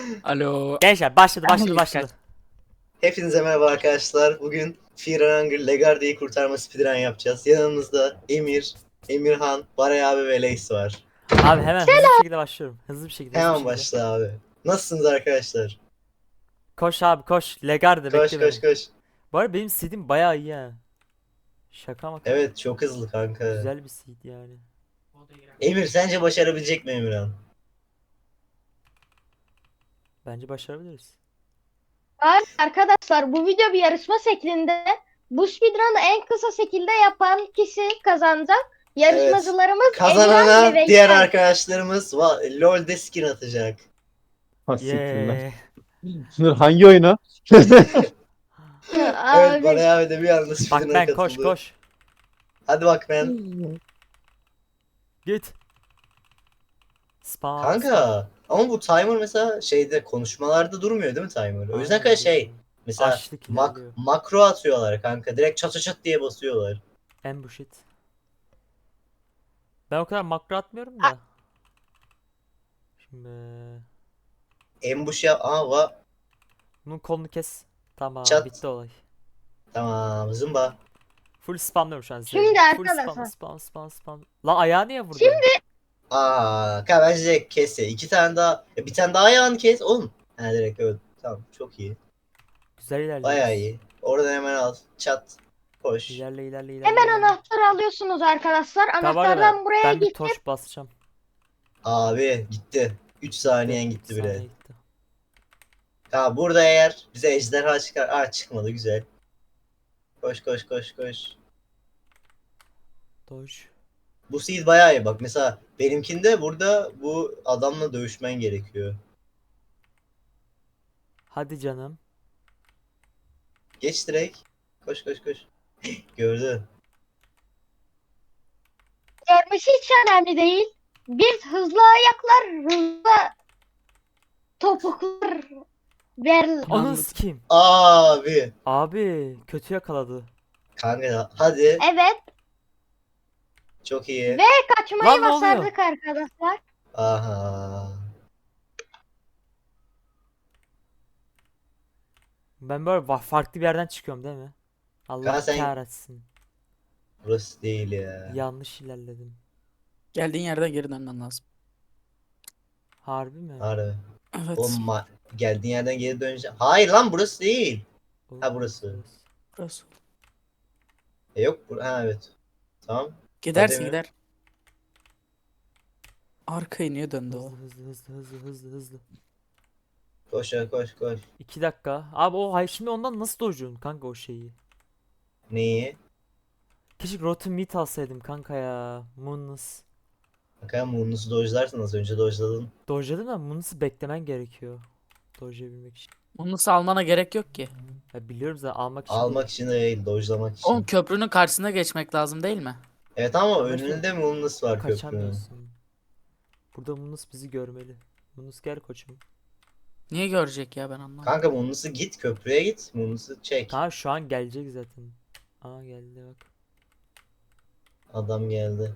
Alo. Gençler başladı. Hepinize merhaba arkadaşlar. Bugün Fear and Hunger Legarde'yi kurtarma speedrun yapacağız. Yanımızda Emir, Emirhan, Baray abi ve Leys var. Abi hemen hızlı bir şekilde başlıyorum. Hızlı bir Hemen şekilde. başla abi. Nasılsınız arkadaşlar? Koş abi koş. Legarde Koş bekle koş beni. koş. Bu arada benim seedim bayağı iyi ha. Şaka maka. Evet, çok hızlı kanka. Güzel bir seed yani. Emir, sence başarabilecek mi Emirhan? Bence başarabiliriz. Arkadaşlar bu video bir yarışma şeklinde. Bu speedrun'ı en kısa şekilde yapan kişi kazanacak. Yarışmacılarımız Emirhan Kazanana ve diğer Veysel. arkadaşlarımız LoL'de skin atacak. Ha siktir lan. Yeah. Sınır hangi oyuna? Evet, Abi, Baray abi de bir anda Bak speedrun'a ben katıldı. koş. Hadi bak ben. Git. Spam. Kanka ama bu timer mesela şeyde konuşmalarda durmuyor değil mi timer? O yüzden Aynen, kanka şey durmuyor. mesela Açlık ilerliyor. makro atıyorlar kanka. Direkt çat çat çat diye basıyorlar. Ambush it. Ben o kadar makro atmıyorum da. Şimdi Ambush yap. bunun kolunu kes. Tamam Çat. bitti olay. Tamam zımba. Full spamlıyorum şu an. Şimdi Full arkadaşlar. spam. La ayağı niye vurdun? Kanka bence direkt kes ya. İki tane daha. Bir tane daha ayağını kes oğlum. Ha direkt evet. Tamam çok iyi. Güzel ilerliyoruz. Bayağı iyi. Oradan hemen al. Çat. Koş. İlerle. hemen anahtarı alıyorsunuz arkadaşlar. Tamam, Anahtardan buraya ben bir gidip torç basacağım. Abi gitti. 3 saniyen gitti Bir bile. saniye gitti. Ha burada eğer bize ejderha çıkar. Çıkmadı güzel. Koş. Dodge. Bu seed bayağı iyi bak. Mesela benimkinde burada bu adamla dövüşmen gerekiyor. Hadi canım. Geç direkt. Koş. Gördü. görmesi hiç önemli değil. Biz hızlı ayaklar, hızlı topuklar ver. Ananı sikeyim. Abi. Abi kötü yakaladı. Kanka hadi. Evet, Çok iyi. kaçmayı Lan ne oluyor? başardık arkadaşlar. Aha. Ben böyle farklı bir yerden çıkıyorum değil mi? Allah Kanka sen- kahretsin. Burası değil ya. Yanlış ilerledim. Geldiğin yerden geri dönmen lazım. Harbi mi? Harbi. Evet. Oğlum geldiğin yerden geri döneceğim. Hayır lan burası değil. Oğlum, Ha, burası. Burası. Yok. Ha evet. Tamam. Gidersin Hadi mi? gider. Arkaya niye döndü o? Hızlı. Koş. 2 dakika. Abi o hayır şimdi ondan nasıl dojun kanka o şeyi? Neyi? Keşke Rotten Meat alsaydım kanka ya. Moonless. Kanka Moonless'u dojlarsın, az önce dojladın. Dojladım da Moonless'ı beklemen gerekiyor. Dojlayabilmek için. Bunu nasıl almana gerek yok ki. Ya biliyorum zaten almak için Almak değil. için de değil, dojlamak için. Oğlum köprünün karşısına geçmek lazım değil mi? Evet ama Ama önünde Moonless var köprünün. Kaçamıyorsun. Burada Moonless bizi görmeli. Moonless gel koçum. Niye görecek ya ben anlamadım. Kanka Moonless'ı git, köprüye git. Moonless'ı çek. Tamam şu an gelecek zaten. Aa geldi bak. Adam geldi.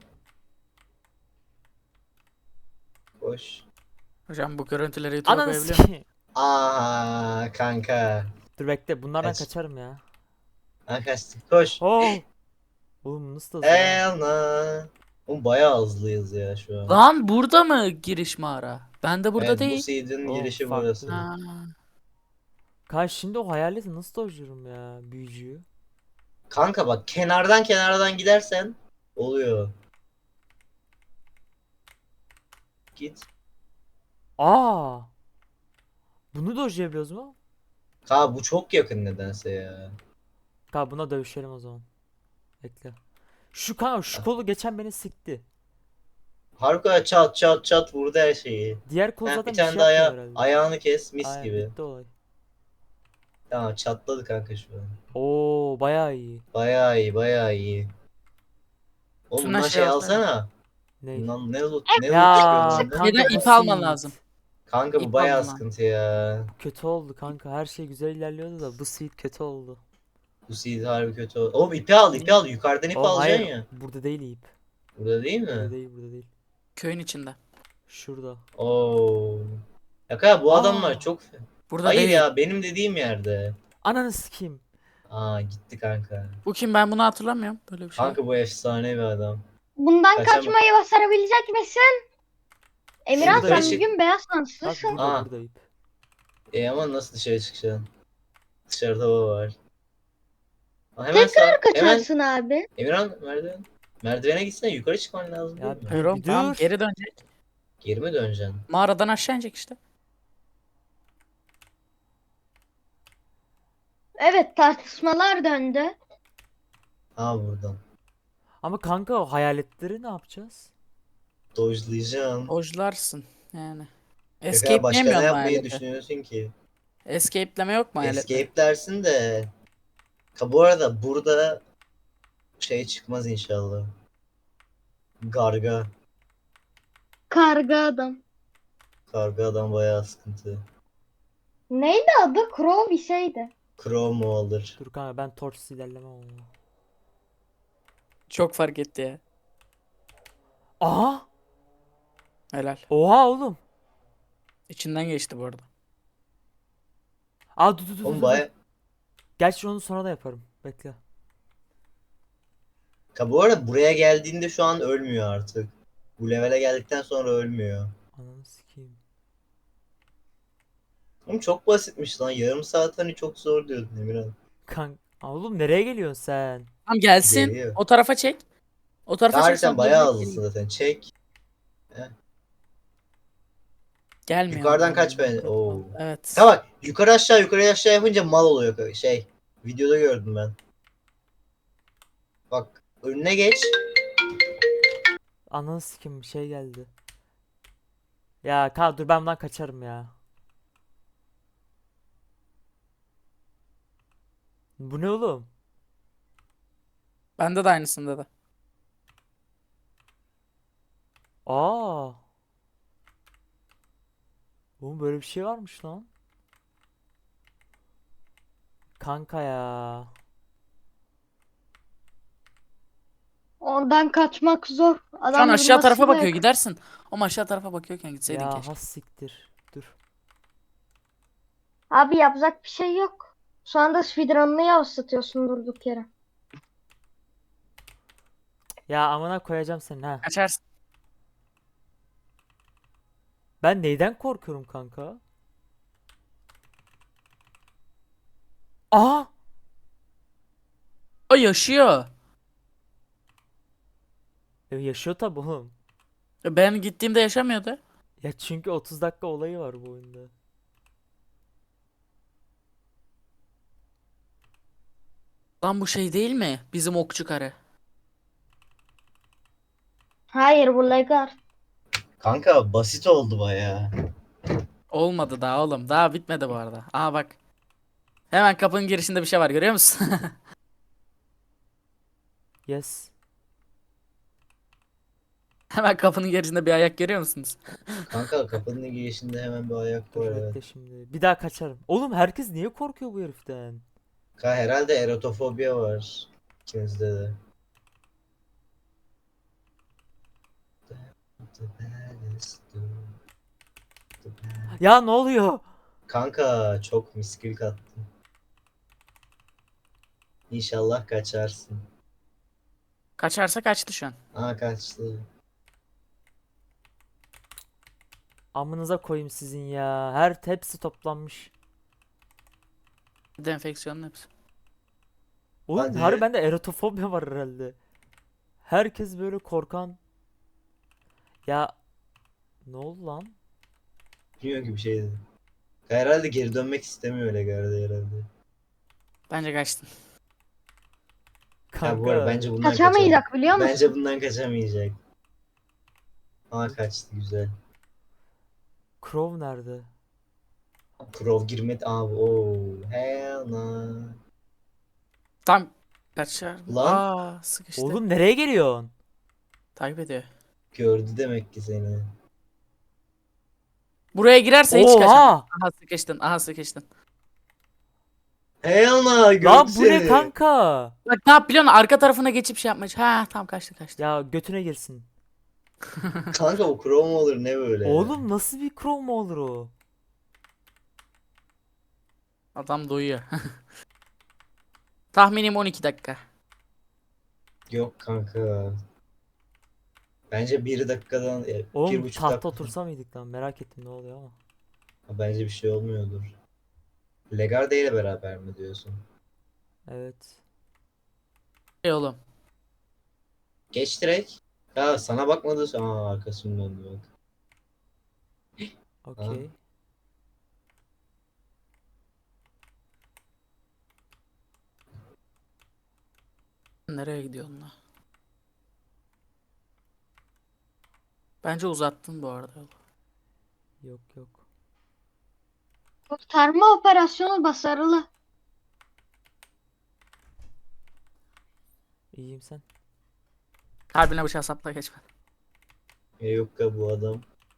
Koş. Hocam bu görüntüleri YouTube'a Ananı koyabiliyor muyum? sikeyim. Aa kanka. Dur bekle bunlardan Kaç. kaçarım ya. Ha kaçtı. Koş. Oh. Oğlum nasıl da hızlı ya. Elna. Oğlum bayağı hızlıyız ya şu an. Lan burada mı giriş mağara? Ben de burada Evet, bu değil. seed'in Oğlum, girişi farklı. burası. Ha. Kanka şimdi o hayaleti nasıl dojluyorum ya büyücüyü. Kanka bak kenardan gidersen oluyor. Git. Aa. Bunu dojlayabiliyoruz mu? Ha bu çok yakın nedense ya. Kanka buna dövüşelim o zaman. Bekle. Şu kanka şu kolu geçen beni sikti. Harbiden çat vurdu her şeyi. Diğer kol Ha, zaten bir bir tane şey daha yapmıyor herhalde. ayağını kes mis Aynen, gibi. bitti olay. Tamam çatladı kanka şu an. Oo bayağı iyi. Bayağı iyi. Oğlum Şuna bundan şey şey alsana. alsana. Ne? Bundan ne loot Ya çıkıyor bende? Neden bu ip alman seed. lazım? Kanka bu ip bayağı alma. sıkıntı ya. Kötü oldu kanka. Her şey güzel ilerliyordu da bu seed kötü oldu. Bu seed harbi kötü oldu. Oğlum ipi al. Yukarıdan ip Oğlum alacaksın hayır. ya. Burada değil ip. Burada değil Burada mi? değil. Köyün içinde. Şurada. Oo. Ya kanka bu Aa. adamlar çok... Burada Hayır değil. ya benim dediğim yerde. Ananı sikeyim. Aa gitti kanka. Bu kim, ben bunu hatırlamıyorum. Böyle bir şey. Kanka bu efsane bir adam. Bundan Kaçamam. kaçmayı başarabilecek misin? Emirhan Şurada sen ışık- bugün beyaz Bak şanslısın. burada Aa. buradayım. Ama nasıl dışarı çıkacaksın? Dışarıda hava var. Aa, hemen Tekrar sağ. Hemen kaçarsın abi. Emirhan merdiven. Merdivene gitsene yukarı çıkman lazım Ya değil mi? Hayır oğlum, Bir tamam dur. geri dönecek. Geri mi döneceksin? Mağaradan aşağı inecek işte. Evet, tartışmalar döndü. Ha buradan. Ama kanka o hayaletleri ne yapacağız? Dojlayacaksın. Ojlarsın yani. Ya başka ne Escape'leyemiyor mu yapmayı hayaleti? düşünüyorsun ki? Escape'leme yok mu hayalette? Escape dersin de. Ha bu arada burada şey çıkmaz inşallah. Garga. Karga adam. Karga adam bayağı sıkıntı. Neydi adı? Crow bir şeydi. Crow mu alır? Dur kanka ben torçsuz ilerlemem ama. Çok fark etti ya. Aha! Helal. Oha oğlum. İçinden geçti bu arada. Aa dur dur dur Oğlum dur. baya... Gerçi onu sonra da yaparım. Bekle. Ha bu arada buraya geldiğinde şu an ölmüyor artık. Bu levele geldikten sonra ölmüyor. Ananı sikeyim. Oğlum çok basitmiş lan. Yarım saat hani çok zor diyordun Emirhan. Oğlum nereye geliyorsun sen? Tamam gelsin. Geliyor. O tarafa çek. O tarafa çek. Harbiden sonra bayağı dönecek, hızlısın zaten. Çek. gelmiyor. Yukarıdan kaç ben. Oo. Evet. Ha bak yukarı aşağı yukarı aşağı yapınca mal oluyor şey. Videoda gördüm ben. Bak önüne geç. Ananı sikeyim bir şey geldi. Ya kanka dur ben bundan kaçarım ya. Bu ne oğlum? Bende de aynısında da. Aa. Oğlum böyle bir şey varmış lan. Kanka ya. Oradan kaçmak zor. Şu an Adam aşağı tarafa vurmasıyla bakıyor, yakın. gidersin. Ama aşağı tarafa bakıyorken gitseydin Ya keşke. has siktir. Dur. Abi yapacak bir şey yok. Şu anda speedrun'ını yavaşlatıyorsun durduk yere. Ya amına koyacağım seni ha. Kaçarsın. Ben neyden korkuyorum kanka? Aa! O yaşıyor. Yaşıyor tabi oğlum. Ben gittiğimde yaşamıyordu. Ya çünkü 30 dakika olayı var bu oyunda. Lan bu şey değil mi? Bizim okçu karı. Hayır, bu Legar. Kanka basit oldu bayağı. Olmadı daha oğlum. Daha bitmedi bu arada. Aa bak. Hemen kapının girişinde bir şey var, görüyor musun? Yes. Hemen kapının girişinde bir ayak görüyor musunuz? Kanka kapının girişinde hemen bir ayak Dur var bekle evet. şimdi. Bir daha kaçarım. Oğlum herkes niye korkuyor bu heriften? Kanka herhalde erotofobia var. İkinizde de. Ya ne oluyor? Kanka çok miskil kattın. İnşallah kaçarsın. Kaçarsa kaçtı şu an. Aa kaçtı. Amınıza koyayım sizin ya. Hepsi toplanmış. Enfeksiyonun hepsi. Oğlum Hadi. harbi bende erotofobya var herhalde. Herkes böyle korkan. Ya ne oldu lan? Bilmiyorum ki bir şeydi. Herhalde geri dönmek istemiyor öyle gardı herhalde. Bence kaçtın. Ya bu arada Kanka. bence bundan Kaçamayacak biliyor musun? Bence bundan kaçamayacak. Aa kaçtı güzel. Crow nerede? Crow girmedi abi. Oo, hell no. Tam kaçar. Lan. Aa sıkıştı. Oğlum nereye geliyorsun? Takip ediyor. Gördü demek ki seni. Buraya girerse hiç kaçamaz. Oha! Aha sıkıştın. Aha sıkıştın. Hell no gördü Lan bu ne seni. kanka? Bak ne yap biliyor musun? Arka tarafına geçip şey yapmış. Ha tam kaçtı kaçtı. Ya götüne girsin. Kanka o Crow mu olur ne böyle? Oğlum nasıl bir Crow mu olur o? Adam doyuyor. Tahminim 12 dakika. Yok kanka. Bence 1 dakikadan, Oğlum 1,5 tahta dakika. otursa mıydık lan? Merak ettim ne oluyor ama. Bence bir şey olmuyordur. Legarde ile beraber mi diyorsun? Evet. Oğlum. Geç direkt. Ya sana bakmadı. Aa, arkasını döndü bak. Okey. Nereye gidiyorsun lan? Bence uzattın bu arada. Yok yok. Kurtarma operasyonu başarılı. İyiyim sen. Kalbine bıçağı sapla geçme. Yok ya bu adam.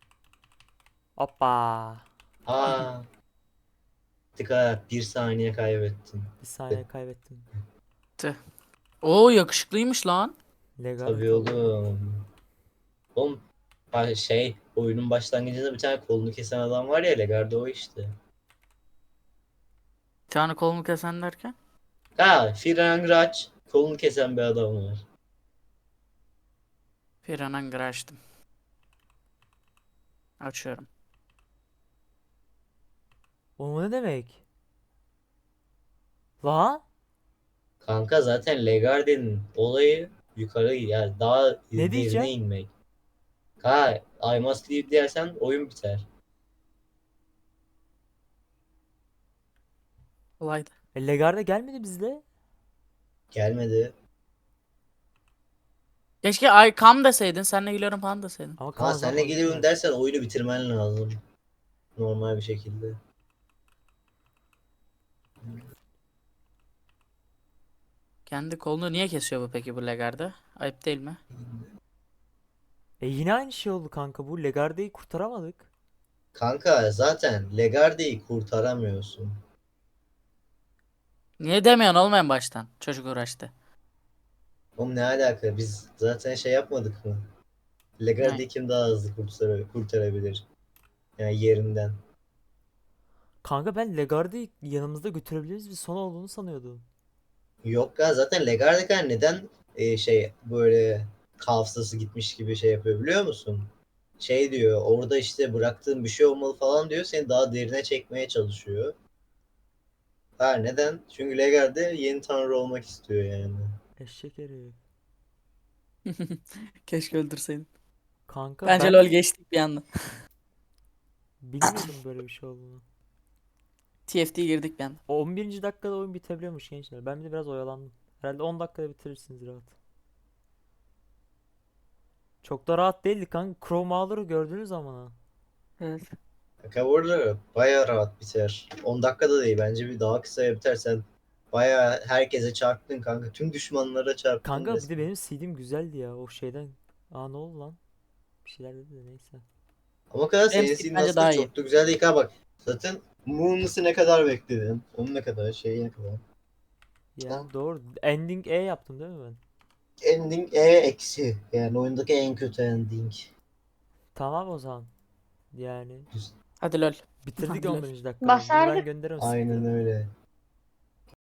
Hoppa. Aa. Tıka 1 saniye kaybettin. Bir saniye kaybettim. Oo yakışıklıymış lan. Legal. Tabii oğlum. Oğlum oyunun başlangıcında bir tane kolunu kesen adam var ya, Legarde o işte. Bir tane kolumu kesen derken. Ha, Firangraç kolunu kesen bir adam var. Piranha açtım. Açıyorum. O ne demek? Lan? Kanka zaten Legarde'nin olayı yukarı, yani daha Ne derine diyeceğim? inmek. Ha, I must leave dersen oyun biter. Kolaydı. Legarda gelmedi bizde. Gelmedi. Keşke ay kam deseydin. Seninle gülüyorum falan deseydin. Ama Ha, Kaan senle zaman geliyorum bitmez. dersen oyunu bitirmen lazım. Normal bir şekilde. Kendi kolunu niye kesiyor bu peki bu Legarde? Ayıp değil mi? Yine aynı şey oldu kanka. Bu Legarda'yı kurtaramadık. Kanka zaten Legarde'yi kurtaramıyorsun. Niye demiyorsun oğlum en baştan? Çocuk uğraştı. Oğlum ne alaka? Biz zaten şey yapmadık mı? Ne? Legarde'yi kim daha hızlı kurtarabilir? Yani yerinden. Kanka ben Legarda'yı yanımızda götürebiliriz bir son olduğunu sanıyordum. Yok ya, zaten Legarde'den neden böyle hafızası gitmiş gibi şey yapıyor biliyor musun? Şey diyor, orada işte bıraktığın bir şey olmalı falan diyor, seni daha derine çekmeye çalışıyor. Ha, neden? Çünkü Legarde yeni tanrı olmak istiyor yani. Eşek herif. Keşke öldürseydin. Kanka Bence ben LoL geçtik bir anda. bilmiyordum böyle bir şey olduğunu. TFT girdik bir anda. 11. dakikada oyun bitebiliyormuş gençler. Ben bir de biraz oyalandım. Herhalde 10 dakikada bitirirsiniz rahat. Çok da rahat değildi kanka. Crow Mauler'ı gördünüz ama. Ha. Evet. Kanka bu arada bayağı rahat biter. 10 dakikada değil, bence bir daha kısaya biter. Sen bayağı herkese çarptın kanka. Tüm düşmanlara çarptın Kanka bir de resmen. benim CD'm güzeldi ya o şeyden. Aa ne oldu lan? Bir şeyler dedi de neyse. Ama o kadar Benim senin bence aslında daha iyi. çok da güzel değil. Ha bak, zaten Moonless'ı ne kadar bekledin? Onu ne kadar, ne kadar? Yani doğru. Ending E yaptım değil mi ben? Ending eksi. Yani oyundaki en kötü ending. Tamam o zaman. Yani Hadi LoL. bitirdik Hadi LoL. 11. dakikada. Bunu ben Başardık. gönderirim Aynen Steam'e. öyle.